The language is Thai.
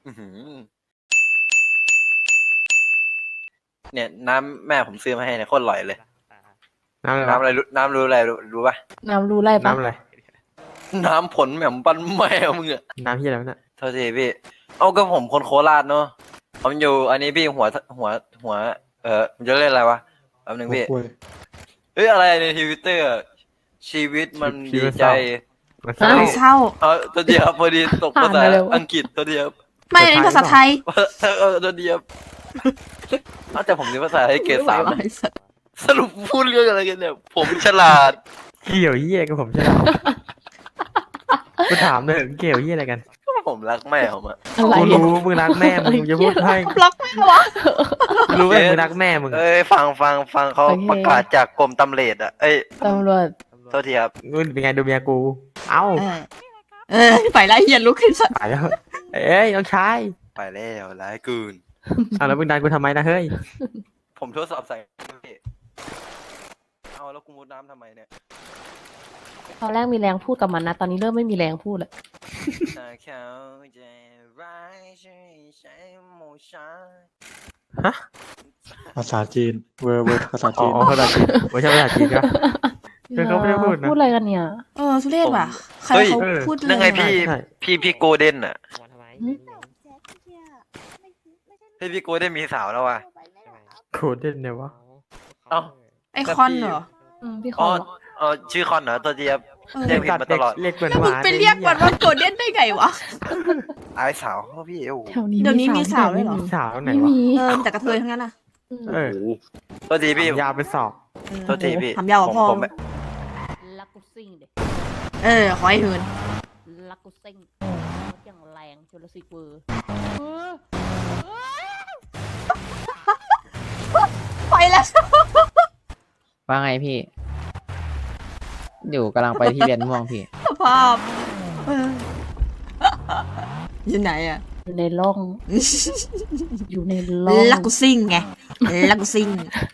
อื้อหือเนี่ยน้ำแม่ผมซื้อมาให้เนี่ยโคตรอร่อยเลยน้ำอะไรน้ำวะอะไรรู้น้ำรู้อะไรรู้ป่ะน้ำรู้ไรปะน้ำอะไรน้ำผลแหม่มปั้นแมวมึงอะน้ำที่อะไรวะเนี่ยโทษทีพี่ เอาก็ผมคนโคราชเนาะผมอยู่อันนี้พี่หัวผมจะเล่นอะไรวะแป๊บนึงพี่โอ้ยเฮ้ยอะไรในทวิตเตอร์ชีวิตมันดีใจมันเศอ้าร้าวเศร้าตัวเดียวพอดีตกภาษาอ่านอะไรวะอังกฤษตัวเดียวไม่อันนี้ภาษาไทยตัวเดียวแต่ผมเรียนภาษาไทยเกรด 3 ไอ้สัตว์สรุปพูดเรื่องอะไรกันเนี่ย ผมฉลาดเกี่ยวเยี่ยกับผมใช่ไหมกูถามเลยเกี่ยวเยี่ยอะไรกันผมรักแม่ผมอะอะไรกูเนี่ยรู้มึงรักแม่มึงจะพูดให้บล็อกแม่วะกูรู้ว่ามึงรักแม่มึงเอ้ยฟังเขาโอเคประกาศจากกรมตำรวจอะเอ้ยตำรวจโทษทีครับนู่นเป็นไงดูเมียกู เอ้าไปไล่เฮียลุกขึ้นสัตว์ตายแล้วเอ้ยน้องชายไปแล้วร้ายเกินเอาแล้วมึงดันกูทำไมนะเฮ้ยผมทดสอบใส่พี่เอาแล้วกูมุดน้ำทำไมเนี่ยตอนแรกมีแรงพูดกับมันนะ ตอนนี้เริ่มไม่มีแรงพูดแล้วถ้าเขาจะร้ายช่วยใช้โมชั่นภาษาจีนเวอร์ภาษาอ๋จีอน ภาษาจีนไม่ใช่ภาษาจีนใช่ปะ เออเขาไม่ได้พูดนะพูดอะไรกันเนี่ยทุเรศว่ะ ใครเฮ้ยเขาพูดนั่นไงพี่ใช่พี่โกลเด้นอะพี่โกลเด้นมีสาวแล้วว่ะโคตรเด่นเนี่ยวะเอ้าไอคอนเหรอพี่คอ๋ออน ชื่อคอนเหรอตัวเดียวเออเรียกผิดมาตลอดเรียกเหมือนแล้วหมึงวานไปเรียกมันว่าโกลเด้นได้ไงวะอายสาวเขาพี่โอ้โหแถวนี้เดี๋ยวนี้มีสาวด้วยเหรอสาวไหนไม่วะมีแต่กระเทยทั้งนั้นน่ะเออตัวทีพี่ยาวเป็นศอกโตัวทีพี่ทำยาวกว่าพ่อผมลักกูซิ่งเด็ขอให้เหินลักกูซิ่งอย่างแรงจุลศิษย์เวอร์ไปแล้วว่าไงพี่ อยู่กำลังไปที่เรียนม่วงพี่สภาพอยู่ไหนอ่ะอยู่ในร่อง อยู่ในร่องลักกูซิ่งไงลักกูซิ่ง